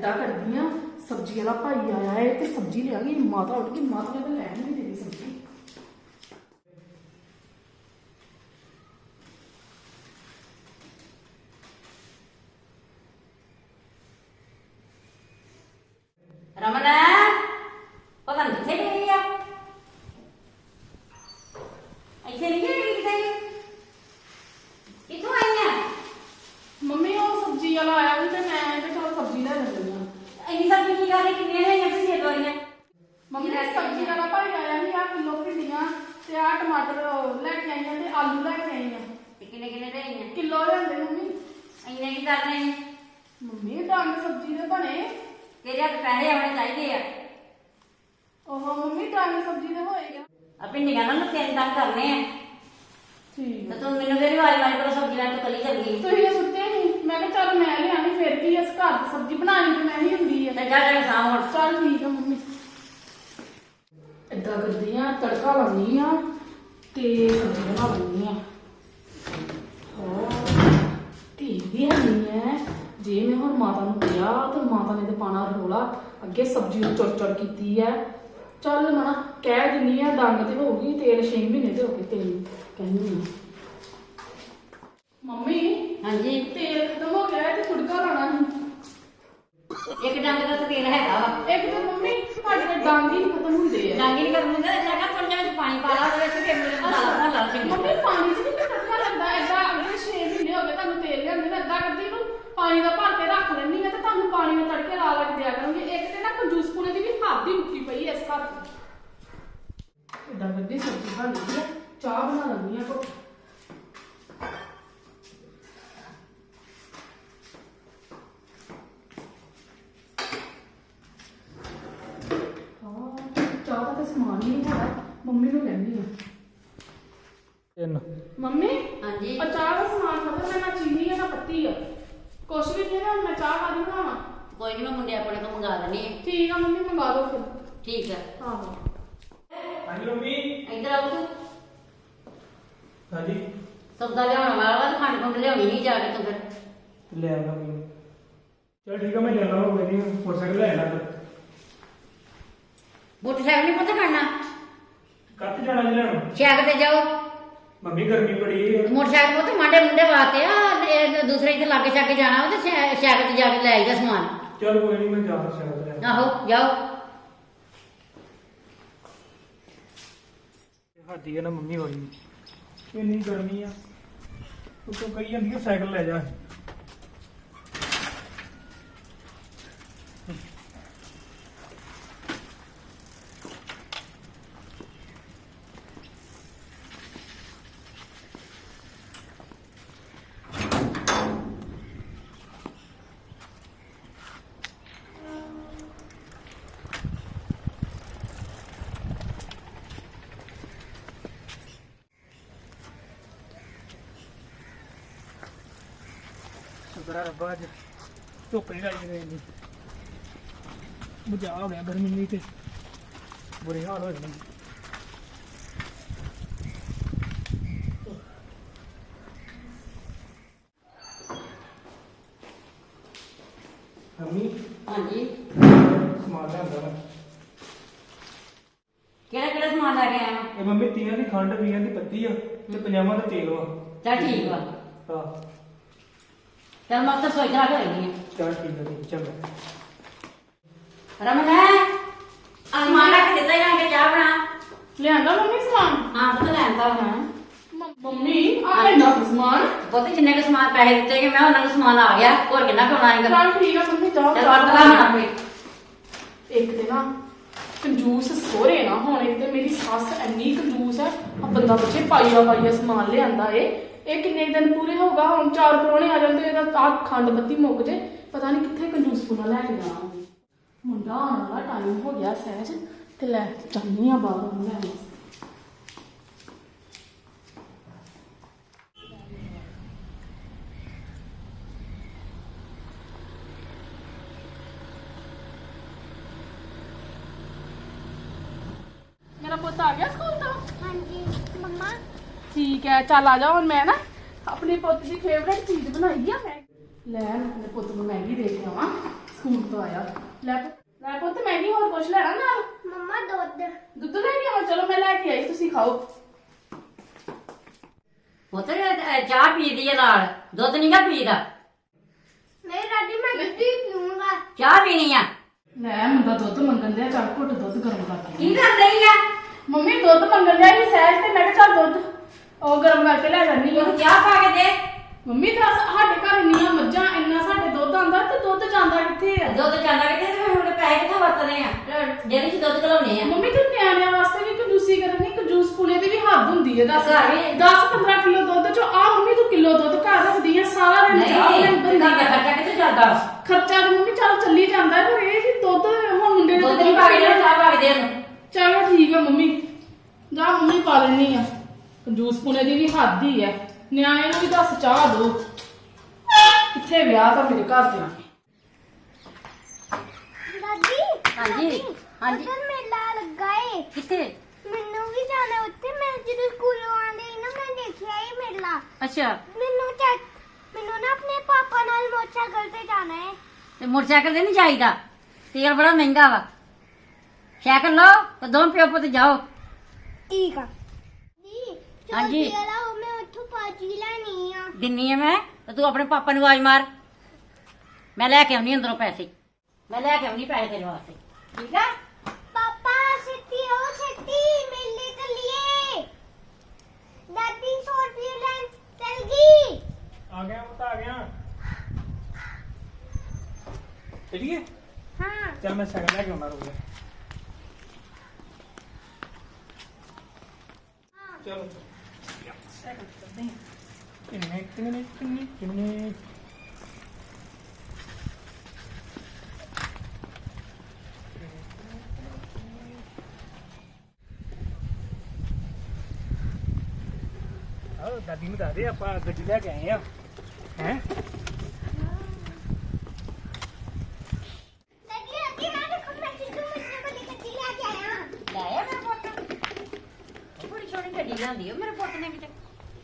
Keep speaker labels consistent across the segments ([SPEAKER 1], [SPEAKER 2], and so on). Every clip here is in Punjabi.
[SPEAKER 1] इदा करदी हां सब्जी वाला भाई आया है ते सब्जी लियागी माता उठ गई माता ने तो लैन नहीं देनी सब्जी।
[SPEAKER 2] रमन पता नहीं कितने गई है ऐसे नहीं गई कितने कितों आई है
[SPEAKER 1] मम्मी वो सब्जी वाला आया भी ते मैं ते चलो सब्जी ले लैंदी हां।
[SPEAKER 2] इन्नी सब्जी की गल कितने है या फिर दोरियां
[SPEAKER 1] मम्मी सब्जी वाला भाई आया ही आ किलो भिंडियां ते आ टमाटर लेके आई हां ते आलू लेके आई हां।
[SPEAKER 2] कितने कितने दे हैं
[SPEAKER 1] किलो लेंदे मम्मी।
[SPEAKER 2] इन्ने की करने हैं
[SPEAKER 1] मम्मी डंग सब्जी दे बने
[SPEAKER 2] तेरे हाथ पैसे आने चाहिए
[SPEAKER 1] ओहो मम्मी डंग सब्जी दे होएगा
[SPEAKER 2] अपनी निगाह ना तीन काम करने हैं
[SPEAKER 1] ठीक
[SPEAKER 2] तो तुम मेनू केरी वाली वाली पर सब्जी लाने तो कली चल गई
[SPEAKER 1] तो ये सुते नहीं मैं कहा चल मैं ले आनी फिर की इस घर दी सब्जी बनानी ते मैं ही हुंदी है
[SPEAKER 2] ते जा जा शाम हो
[SPEAKER 1] चल ठीक है मम्मी इदा करदी हां तड़का लानी हां ते सब्जी बना लैनी हां। धी भी नहीं है जे मैं हुण माता नूं कहा तो माता ने तो पाना रोला अगे सब्जी चुर चुर की है। चल मना कह दिनी है डंग तो होगी तेल 6 महीने तो हो गए तेल कहनी मम्मी
[SPEAKER 2] हाँ जी
[SPEAKER 1] तेल खत्म हो गया है तो तुड़का लाना है।
[SPEAKER 2] एक डंग का तो तेल हैगा
[SPEAKER 1] एक तो मम्मी साडे ते डंग ही खत्म होंदे है
[SPEAKER 2] डंग नहीं कर मुंडा जगह थोड़ा जिहा पानी पा ला ਉਹਦੇ ਵਿੱਚ ਫਿਰ ਮਸਾਲਾ ਲਾ ਕੇ
[SPEAKER 1] मम्मी पानी च नहीं तड़का लगदा ऐसा अगे 6 महीने हो गए तुहानू तेल लिआंदे मैं ऐदा करदी हूं पानी दा भर के रख लैनी है तो तुहानू पानी में तड़के ला ला के दिया करूंगी। एक ते ना कंजूस पुने दी भी हद ही मुक्की पई है इस घर इदा करदी सब्जी बन गई है चाह बना लैनी है। चाह का समान ही नहीं है मम्मी को कहनी है मम्मी
[SPEAKER 2] हाँ जी
[SPEAKER 1] और चाह का समान खत्म है ना चीनी है ना पत्ती है कुछ भी नहीं है मैं चाह वाली बनावा।
[SPEAKER 2] कोई नहीं मैं मुंडे अपने को मंगा देनी है
[SPEAKER 1] ठीक है मम्मी मंगा दो फिर।
[SPEAKER 2] ठीक है
[SPEAKER 1] हाँ
[SPEAKER 3] हाँ जी मम्मी
[SPEAKER 2] इधर आओ तू
[SPEAKER 3] हाँ जी
[SPEAKER 2] सब्दा लियाने वाला तो खंड खुंड लियानी नहीं जाके तू फिर
[SPEAKER 3] ले आऊंगा मम्मी चल ठीक है मैं ले आऊंगा कोई नहीं मोटरसाइकिल ले आना
[SPEAKER 2] मोटरसाइकिल नहीं पता करना
[SPEAKER 3] कब जाना जी लेना
[SPEAKER 2] शैक ते जाओ
[SPEAKER 3] मम्मी गर्मी बड़ी है
[SPEAKER 2] मोटरसाइकिल तो मांडे मुंडे वास्ते आ दूसरे इधर लागे शागे जाना हो तो शैक ते जाके ले आईदा समान
[SPEAKER 3] चल कोई नहीं मैं जा सकता ले
[SPEAKER 2] आहो जाओ
[SPEAKER 3] हादी है ना मम्मी वाली इतनी गर्मी है तो कही जाती है साइकिल ले जा शुक्र है रब्बा अज धुप्प नहीं लाई गई बचा हो गया गर्मी नहीं तो बुरे हाल हो जाने मम्मी
[SPEAKER 2] हाँ जी
[SPEAKER 3] समान लिया
[SPEAKER 2] केड़ा केड़ा समान ला के आया
[SPEAKER 3] ये मम्मी 30 की खंड 20 की पत्ती है ते 50 का तेल वा
[SPEAKER 2] चल ठीक वा
[SPEAKER 3] हाँ
[SPEAKER 2] चल मैं तो सोच रहा करेंगे
[SPEAKER 3] चल ठीक है चल
[SPEAKER 2] रमन समान रख देता जाके चाह बना
[SPEAKER 1] लियांदा मम्मी समान।
[SPEAKER 2] हाँ तो लैंदा हूं
[SPEAKER 1] मम्मी आ इंदा समान
[SPEAKER 2] बहुत जिन्ने के समान पैसे दिते कि मैं उन्होंने समान आ गया और कितना कमाना है
[SPEAKER 1] चल ठीक है मम्मी जाओ
[SPEAKER 2] चल बात करा कोई
[SPEAKER 1] एक ते ना कंजूस सोरे ना होने ते मेरी सस इन्नी कंजूस है आ बंदा बच्चे पाइया समान लियांदा ए किन्ने दिन पूरे होगा हम 4 परौने आ जाते आ खंड बत्ती मुक जे पता नहीं कितने कंजूस पुना लैके जाना मुंडा आने वाला टाइम हो गया सहज ते लै जानी आ बाहर लैने मेरा पुत आ गया स्कूल तो।
[SPEAKER 4] हाँ जी मम्मा
[SPEAKER 1] ठीक है चल आ जाओ मैं ना अपने पुत की फेवरेट चीज बनाई है मैं ले अपने पुत को मैगी दे के आवा ਸਕੂਲ ਤੋਂ ਆਇਆ। ਲੈ ਪੁੱਤ ਮੈਂ ਨਹੀਂ ਹੋਰ ਕੁਝ ਲੈਣਾ ਨਾਲ।
[SPEAKER 4] ਮੰਮਾ ਦੁੱਧ
[SPEAKER 1] ਦੁੱਧ ਲੈ ਕੇ ਆਵਾਂ? ਚਲੋ ਮੈਂ ਲੈ ਕੇ ਆਈ, ਤੁਸੀਂ ਖਾਓ।
[SPEAKER 2] ਪੁੱਤ ਚਾਹ ਪੀਦੀ ਆ ਨਾਲ, ਦੁੱਧ ਨਹੀਂਗਾ ਪੀਦਾ।
[SPEAKER 4] ਨਹੀਂ ਦਾਦੀ ਮੈਂ ਦੁੱਧ ਹੀ ਪੀਊਂਗਾ।
[SPEAKER 2] ਚਾਹ ਪੀਣੀ ਆ।
[SPEAKER 1] ਲੈ ਮੁੰਡਾ ਦੁੱਧ ਮੰਗਣ ਦਿਆ, ਚੱਲ ਘੁੱਟ ਦੁੱਧ ਗਰਮ ਕਰਕੇ।
[SPEAKER 2] ਕੀ ਕਰ ਰਹੀ ਆ?
[SPEAKER 1] ਮੰਮੀ ਦੁੱਧ ਮੰਗਣ ਦਿਆ ਸੀ ਸਹਿਜ ਤੇ ਮੈਂ ਕਿਹਾ ਚੱਲ ਦੁੱਧ ਉਹ ਗਰਮ ਕਰਕੇ ਲੈ ਜਾਂਦੀ ਆ।
[SPEAKER 2] ਤੂੰ ਚਾਹ ਪਾ ਕੇ ਦੇ।
[SPEAKER 1] ਮੰਮੀ ਦੱਸ ਸਾਡੇ ਘਰ ਇੰਨੀਆਂ ਮੱਝਾਂ ਇੰਨਾ ਸਾਡੇ ਦੁੱਧ ਆਂਦਾ ਤੇ ਦੁੱਧ ਜਾਂਦਾ ਕਿੱਥੇ ਆ?
[SPEAKER 2] ਦੁੱਧ ਜਾਂਦਾ ਕਿੱਥੇ ਤੇ ਹੁਣ ਪੈਸੇ ਕਿੱਥੋਂ ਵਰਤਦੇ ਆ? ਡੇਰੀ 'ਚ ਦੁੱਧ ਘਲਾਉਣੇ ਆ।
[SPEAKER 1] ਮੰਮੀ ਤੂੰ ਨਿਆਣਿਆਂ ਵਾਸਤੇ ਵੀ ਕੰਜੂਸੀ ਕਰਨੀ, ਕੰਜੂਸ ਪੁਣੇ ਦੀ ਵੀ ਹੱਦ ਹੁੰਦੀ ਹੈ। ਦੱਸ
[SPEAKER 2] ਘਰ ਵੀ-
[SPEAKER 1] 10-15 ਕਿਲੋ ਦੁੱਧ ਚੋਂ ਆ ਮੰਮੀ ਤੂੰ ਕਿਲੋ ਦੁੱਧ ਘਰ ਰੱਖਦੀ ਆ, ਸਾਰਾ ਦਿਨ ਚਾਹ
[SPEAKER 2] ਨਹੀਂ
[SPEAKER 1] ਲੈਂਦੀ
[SPEAKER 2] ਘਰ ਦਾ ਖਰਚਾ ਕਿੱਥੇ ਚੱਲਦਾ?
[SPEAKER 1] ਖਰਚਾ ਤਾਂ ਮੰਮੀ ਚੱਲ ਚੱਲੀ ਜਾਂਦਾ ਹੈ, ਪਰ ਇਹ ਕਿ ਦੁੱਧ ਹੁਣ ਮੁੰਡੇ ਨੇ
[SPEAKER 2] ਦੁੱਧ ਨਹੀਂ ਪਾ ਕੇ ਦੇ, ਚਾਹ ਪਾ ਕੇ ਦੇ ਇਹਨੂੰ।
[SPEAKER 1] ਚਲੋ ਠੀਕ ਆ ਮੰਮੀ, ਜਾ ਮੰਮੀ ਪਾ ਲੈਣੀ ਆ। ਕੰਜੂਸ ਪੁਣੇ ਦੀ ਵੀ ਹੱਦ ਹੀ ਹੈ। ਨਿਆਣੇ ਨੂੰ ਵੀ ਦੱਸ ਚਾਹ ਦੋ, ਕਿੱਥੇ ਵਿਆਹ ਤਾਂ ਮੇਰੇ ਘਰ ਦੇ।
[SPEAKER 4] ਦਾਦੀ
[SPEAKER 2] ਹਾਂਜੀ ਹਾਂਜੀ।
[SPEAKER 4] ਉੱਧਰ ਮੇਲਾ ਲੱਗਾ ਏ।
[SPEAKER 2] ਕਿੱਥੇ?
[SPEAKER 4] ਮੈਨੂੰ ਵੀ ਜਾਣਾ ਉੱਥੇ। ਮੈਂ ਜਦੋਂ ਸਕੂਲੋਂ ਆਂਦੀ ਨਾ ਮੈਂ ਦੇਖਿਆ ਏ ਮੇਲਾ।
[SPEAKER 2] ਅੱਛਾ
[SPEAKER 4] ਮੈਨੂੰ ਨਾ ਆਪਣੇ ਪਾਪਾ ਨਾਲ ਮੋਟਰਸਾਈਕਲ ਤੇ ਜਾਣਾ ਹੈ।
[SPEAKER 2] ਤੇ ਮੋਟਰਸਾਈਕਲ ਤੇ ਨਹੀਂ ਜਾਈਦਾ, ਤੇਲ ਬੜਾ ਮਹਿੰਗਾ ਵਾ। ਸਾਈਕਲ ਲਓ ਤੇ ਦੋਵੇਂ ਪਿਓ ਪੁੱਤ ਜਾਓ।
[SPEAKER 4] ਠੀਕ ਆ ਦੀ
[SPEAKER 2] ਹਾਂਜੀ।
[SPEAKER 4] ਚਲਾ ਉਹ ਮੈਂ ਉੱਥੋਂ ਪਾਜੀ ਲੈਣੀ ਆ।
[SPEAKER 2] ਦਿੰਨੀ ਆ ਮੈਂ, ਤੇ ਤੂੰ ਆਪਣੇ ਪਾਪਾ ਨੂੰ ਆਵਾਜ਼ ਮਾਰ। ਮੈਂ ਲੈ ਕੇ ਆਉਣੀ ਅੰਦਰੋਂ ਪੈਸੇ, ਮੈਂ ਲੈ ਕੇ ਆਉਣੀ ਪੈਸੇ ਤੇਰੇ ਵਾਸਤੇ, ਠੀਕ ਆ?
[SPEAKER 4] ਪਾਪਾ ਸਿੱਧੀ ਉਹ ਸਿੱਧੀ ਮੇਲੇ ਚੱਲੀਏ। ਦਾਦੀ 100 ਰੁਪਏ ਲੈਣ ਚੱਲ ਗਈ।
[SPEAKER 3] ਆ ਗਿਆ ਪੁੱਤ ਆ ਗਿਆ। ਚਲੀਏ?
[SPEAKER 4] ਹਾਂ
[SPEAKER 3] ਚੱਲ ਮੈਂ ਸਾਈਕਲ ਲੈ ਕੇ ਆਉਣਾ ਰੁਕ ਜਾ। ਚਲੋ ਸਾਈਕਲ ਚੱਲਦੇ ਹਾਂ। ਕਿੰਨੇ ਦਾਦੀ ਨੂੰ ਦੱਸ ਦੇ ਆਪਾਂ ਗੱਡੀ ਲੈ ਕੇ ਆਏ ਆ। ਹੈ
[SPEAKER 4] ਦਾਦੀ ਦਾਦੀ ਮੈਂ ਦੇਖੋ ਮੈਂ ਸਿੱਧੂ ਮਿੱਠੇ ਵਾਲੀ ਗੱਡੀ ਲੈ ਕੇ ਆਇਆ।
[SPEAKER 2] ਲੈ ਆ ਮੇਰਾ ਪੁੱਤ, ਉਹ ਬੜੀ ਸੋਹਣੀ ਗੱਡੀ ਲਿਆਂਦੀ ਆ ਮੇਰੇ ਪੁੱਤ ਨੇ ਕਿਤੇ।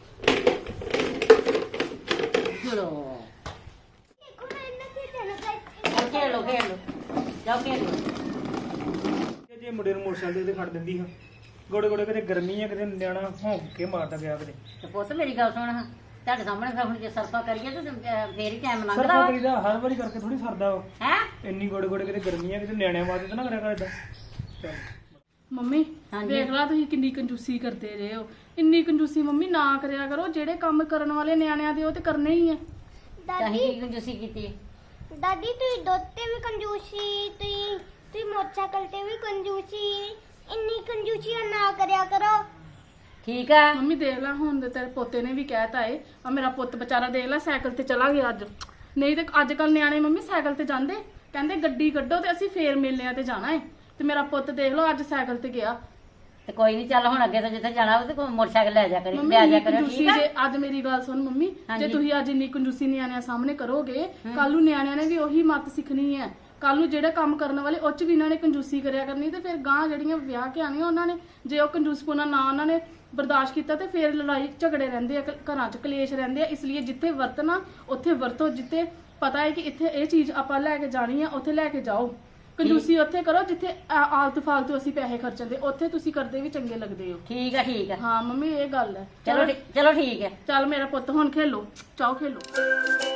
[SPEAKER 2] ਚਲੋ
[SPEAKER 4] ਦੇਖੋ ਮੈਂ ਇਹਨਾਂ ਤੇ ਜਾਣਾ
[SPEAKER 2] ਖੇਡ ਲੋ ਜਾਓ ਖੇਡ ਲੋ।
[SPEAKER 3] ਜੇ ਮੁੰਡੇ ਨੂੰ ਮੋਟਰਸਾਈਕਲ ਤੇ ਖੜ ਦਿੰਦੀ ਹਾਂ, ਗੋੜੇ ਗੋੜੇ ਕਿਤੇ ਗਰਮੀ ਆ, ਕਿਤੇ ਨਿਆਣਾ ਭੌਂਕ ਕੇ ਮਾਰਦਾ ਗਿਆ ਕਿਤੇ।
[SPEAKER 2] ਤੇ ਪੁੱਤ ਮੇਰੀ ਗੱਲ ਸੁਣ, ਹਾਂ ਤੁਹਾਡੇ ਸਾਹਮਣੇ ਫਿਰ ਹੁਣ ਜੇ ਸਰਫਾ ਕਰੀਏ ਤੇ ਫੇਰ ਹੀ ਟਾਈਮ ਲੰਘਦਾ
[SPEAKER 3] ਸਰਫਾ
[SPEAKER 2] ਵਾ।
[SPEAKER 3] ਕਰੀਦਾ ਹਰ ਵਾਰੀ ਕਰਕੇ ਥੋੜੀ ਸਰਦਾ ਵਾ।
[SPEAKER 2] ਹੈ
[SPEAKER 3] ਇੰਨੀ ਗੋੜੇ ਗੋੜੇ ਕਿਤੇ ਗਰਮੀ ਆ, ਕਿਤੇ ਨਿਆਣਿਆਂ ਵਾਸਤੇ ਤਾਂ ਨਾ ਕਰਿਆ ਕਰ ਏਦਾਂ। ਚੱਲ
[SPEAKER 1] ਮੰਮੀ
[SPEAKER 2] ਹਾਂਜੀ।
[SPEAKER 1] ਦੇਖ ਲਾ ਤੁਸੀਂ ਕਿੰਨੀ ਕੰਜੂਸੀ ਕਰਦੇ ਰਹੇ ਹੋ। ਇੰਨੀ ਕੰਜੂਸੀ ਮੰਮੀ ਨਾ ਕਰਿਆ ਕਰੋ, ਜਿਹੜੇ ਕੰਮ ਕਰਨ ਵਾਲੇ ਨਿਆਣਿਆਂ ਦੇ ਉਹ ਤੇ ਕਰਨੇ ਹੀ ਆ।
[SPEAKER 2] ਤਾਂ
[SPEAKER 4] ਦਾਦੀ
[SPEAKER 2] ਹੀ ਕੰਜੂਸੀ ਕੀਤੀ।
[SPEAKER 4] ਦਾਦੀ ਤੁਸੀਂ ਦੁੱਧ ਤੇ ਵੀ ਕੰਜੂਸੀ, ਤੁਸੀਂ ਮੋਟਰਸਾਈਕਲ ਤੇ ਵੀ ਕੰਜੂਸੀ। ਇੰਨੀ ਕੰਜੂਸੀ ਨਾ ਕਰਿਆ ਕਰੋ।
[SPEAKER 2] ਠੀਕ ਆ।
[SPEAKER 1] ਮੰਮੀ ਦੇਖ ਲਾ ਹੁਣ ਤੇ ਤੇਰੇ ਪੋਤੇ ਨੇ ਵੀ ਕਹਿਤਾ ਏ, ਆ ਮੇਰਾ ਪੁੱਤ ਵਿਚਾਰਾ ਦੇਖ ਲਾ ਸਾਈਕਲ ਤੇ ਚਲਾ ਗਿਆ ਅੱਜ। ਨਹੀਂ ਤੇ ਅੱਜ ਕੱਲ ਨਿਆਣੇ ਮੰਮੀ ਸਾਈਕਲ ਤੇ ਜਾਂਦੇ, ਕਹਿੰਦੇ ਗੱਡੀ ਕੱਢੋ ਤੇ ਅਸੀਂ ਫੇਰ ਮੇਲਿਆਂ ਤੇ ਜਾਣਾ ਏ। ਤੇ ਮੇਰਾ ਪੁੱਤ ਦੇਖ ਲਓ ਅੱਜ ਸਾਈਕਲ ਤੇ ਗਿਆ।
[SPEAKER 2] ਤੇ ਕੋਈ ਨਹੀਂ, ਚੱਲ ਹੁਣ ਅੱਗੇ ਤੋਂ ਜਿੱਥੇ ਜਾਣਾ ਉਹ ਤੇ ਕੋਈ ਮੋਟਰਸਾਈਕਲ ਲੈ ਜਾ ਕਰੀ,
[SPEAKER 1] ਮੰਮੀ
[SPEAKER 2] ਲੈ ਜਾ
[SPEAKER 1] ਇੰਨੀ
[SPEAKER 2] ਕਰਿਓ,
[SPEAKER 1] ਕੰਜੂਸੀ
[SPEAKER 2] ਠੀਕ ਆ?
[SPEAKER 1] ਜੇ ਅੱਜ ਮੇਰੀ ਗੱਲ ਸੁਣ ਮੰਮੀ, ਜੇ
[SPEAKER 2] ਹਾਂਜੀ।
[SPEAKER 1] ਤੁਸੀਂ ਅੱਜ ਇੰਨੀ ਕੰਜੂਸੀ ਨਿਆਣਿਆਂ ਸਾਹਮਣੇ ਕਰੋਗੇ, ਕੱਲ ਨੂੰ ਨਿਆਣਿਆਂ ਨੇ ਵੀ ਉਹੀ ਮੱਤ ਸਿੱਖਣੀ ਹੈ। ਕੱਲ ਨੂੰ ਜਿਹੜੇ ਕੰਮ ਕਰਨ ਵਾਲੇ ਉਹ ਚ ਵੀ ਇਹਨਾਂ ਨੇ ਕੰਜੂਸੀ ਕਰਿਆ ਕਰਨੀ, ਤੇ ਫਿਰ ਗਾਂ ਜਿਹੜੀਆਂ ਵਿਆਹ ਕੇ ਆਣੀਆਂ ਉਹਨਾਂ ਨੇ ਜੇ ਉਹ ਕੰਜੂਸਪੁਣਾ ਨਾ ਉਹਨਾਂ ਨੇ ਬਰਦਾਸ਼ਤ ਕੀਤਾ ਤੇ ਫਿਰ ਲੜਾਈ ਝਗੜੇ ਰਹਿੰਦੇ ਆ, ਘਰਾਂ 'ਚ ਕਲੇਸ਼ ਰਹਿੰਦੇ ਆ। ਇਸ ਲਈ ਜਿੱਥੇ ਵਰਤਣਾ ਉੱਥੇ ਵਰਤੋ, ਜਿੱਥੇ ਪਤਾ ਹੈ ਕਿ ਇੱਥੇ ਇਹ ਚੀਜ਼ ਆਪਾਂ ਲੈ ਕੇ ਜਾਣੀ ਆ ਉੱਥੇ ਲੈ ਕੇ ਜਾਓ। ਕੰਜੂਸੀ ਉੱਥੇ ਕਰੋ ਜਿੱਥੇ ਆਲਤੂ ਫਾਲਤੂ ਅਸੀਂ ਪੈਸੇ ਖਰਚਦੇ, ਉੱਥੇ ਤੁਸੀਂ ਕਰਦੇ ਵੀ ਚੰਗੇ ਲੱਗਦੇ ਹੋ।
[SPEAKER 2] ਠੀਕ ਆ ਠੀਕ ਆ।
[SPEAKER 1] ਹਾਂ ਮੰਮੀ ਇਹ ਗੱਲ ਹੈ।
[SPEAKER 2] ਚਲੋ ਠੀਕ ਹੈ।
[SPEAKER 1] ਚੱਲ ਮੇਰਾ ਪੁੱਤ ਹੁਣ ਖੇਲੋ, ਚਾਓ ਖੇਲੋ।